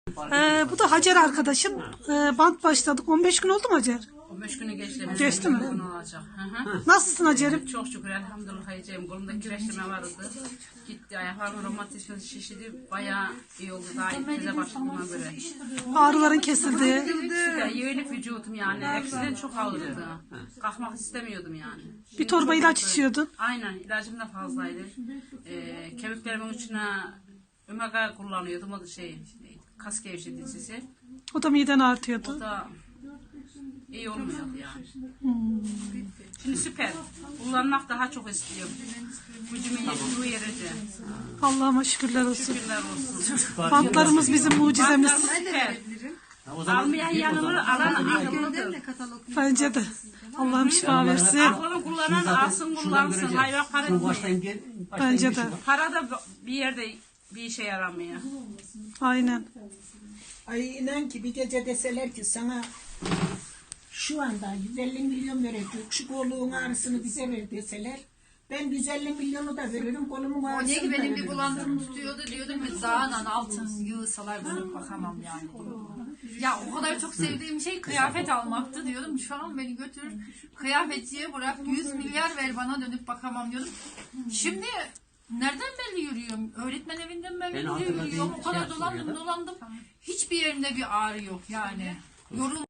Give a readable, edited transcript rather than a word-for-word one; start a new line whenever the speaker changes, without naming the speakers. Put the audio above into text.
Bu da Hacer arkadaşım. Bant başladık. 15 gün oldu mu Hacer?
15 günü geçti.
Geçti mi?
Olacak.
Nasılsın Hacer'im?
Çok şükür elhamdülillah Hacer'im. Kolumda kireçleme vardı. Gitti ayaklarım romatizması şişidi. Bayağı iyi oldu. Daha ilk keze başladığıma göre.
Ağrıların kesildi.
Yeğenlik vücudum yani. Eskiden çok ağrıyordu. Kalkmak istemiyordum yani.
Bir torba ilaç içiyordun.
Aynen. İlacım da fazlaydı. Kemiklerimin içine omega kullanıyordum. O da kas gevşeticisi.
O da miden artıyordu.
O da iyi olmuyordu yani. Şimdi süper. Kullanmak daha çok istiyorum. Gücümün yettiği yerici.
Allah'ıma şükürler olsun.
Şükürler olsun.
Bantlarımız bizim mucizemiz.
Süper. Almayan yanılır, alan akıllıdır.
Bence de. Allah'ım şifa versin.
Aklını kullanan alsın kullansın. Hayvan para değil.
Bence de.
Para da bir yerde bir işe yaramıyor.
Aynen.
Ay inan ki bir gece deseler ki sana şu anda 150 milyon verecek, şu koluğun ağrısını bize ver deseler, ben 150 milyonu da veririm, kolumun
O
ağrısını
ne ki
da
benim bir
veririm.
bulantım tutuyordu, diyordum ki dağla altın yığsalar dönüp bakamam yani. Ya o kadar çok sevdiğim şey kıyafet almaktı diyordum. Şu an beni götür kıyafetçiye bırak 100 milyar ver bana dönüp bakamam diyordum. Şimdi nereden belli yürüyorum? Öğretmen evinden ben belli yürüyorum. O kadar dolandım. Hiçbir yerinde bir ağrı yok yani. Yorul